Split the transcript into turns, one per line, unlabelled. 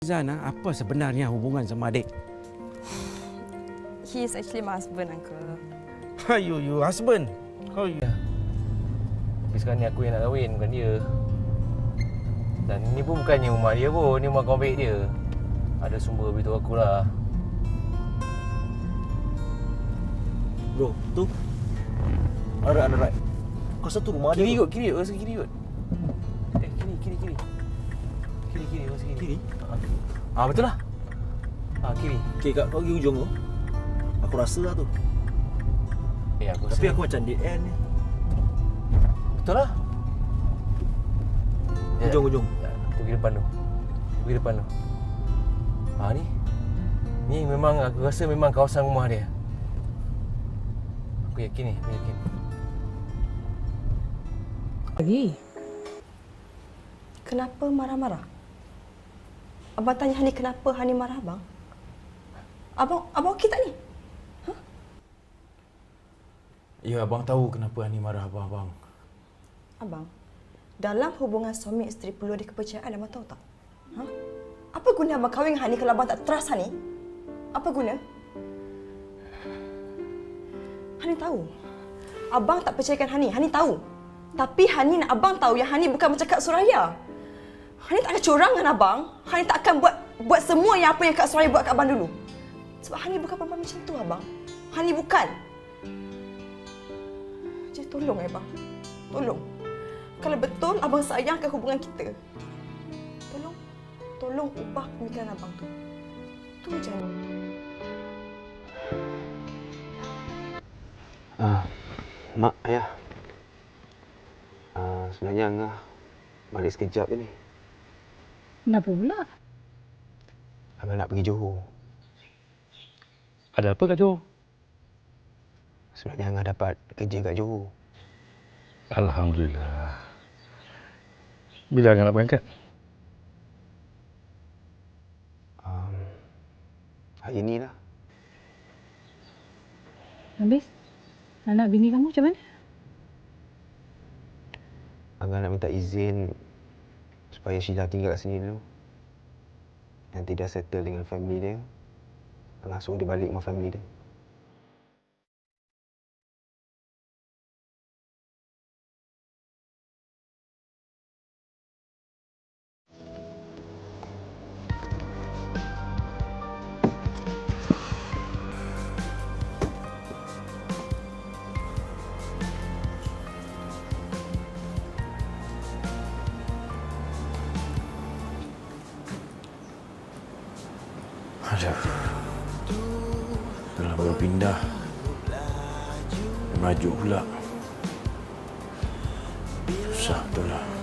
Zan, apa sebenarnya hubungan sama adik?
He is actually my husband, Uncle.
You husband? How you?
Tapi sekarang ni aku yang nak kahwin, bukan dia. Dan ni pun bukannya rumah dia pun, ni rumah kawan baik dia. Ada sumber beritahu aku lah.
Bro, tu. Ada right. Kau satu rumah
Kiri
dia.
kot, kiri kot, rasa kiri kot. Kiri. Kiri, rasa kiri.
Kiri.
Betul lah. Kiri.
Okey, kat kau pergi ujung tu. Aku rasa lah tu. Tapi aku macam dead end ni.
Betul lah.
Ujung.
Tu pergi depan tu. Ni. Ni memang aku rasa memang kawasan rumah dia. Aku yakin.
Lagi? Kenapa marah-marah? Abang tanya Hani kenapa Hani marah abang? Abang okey tak ni?
Ya, abang tahu kenapa Ani marah abang.
Abang, dalam hubungan suami isteri perlu ada kepercayaan, abang tahu tak? Apa guna abang kahwin dengan Hani kalau abang tak trust Hani? Apa guna? Hani tahu. Abang tak percayakan Hani tahu. Tapi Hani nak abang tahu yang Hani bukan macam Kak Suraya. Hani tak akan curang dengan abang. Hani tak akan buat semua yang apa yang Kak Suraya buat kat abang dulu. Sebab Hani bukan perempuan macam tu, abang. Hani bukan. Jadi tolong, abang. Tolong. Kalau betul abang sayangkan hubungan kita, tolong ubah pemikiran abang tu. Tu je.
Mak, ayah. Sebenarnya Angah balik sekejap je ni.
Kenapa pula?
Abang nak pergi Johor.
Ada apa kat Johor?
Sebenarnya Angah dapat kerja kat Johor.
Alhamdulillah. Bila Angah nak berangkat?
Hari ni lah.
Habis? Anak bini kamu macam mana?
Angah nak minta izin supaya Sheila tinggal kat sini dulu. Nanti dah settle dengan family dia, Angah suruh dia balik dengan family dia.
Aduh. Dah baru pindah. Merajuk pula. Susah betul lah.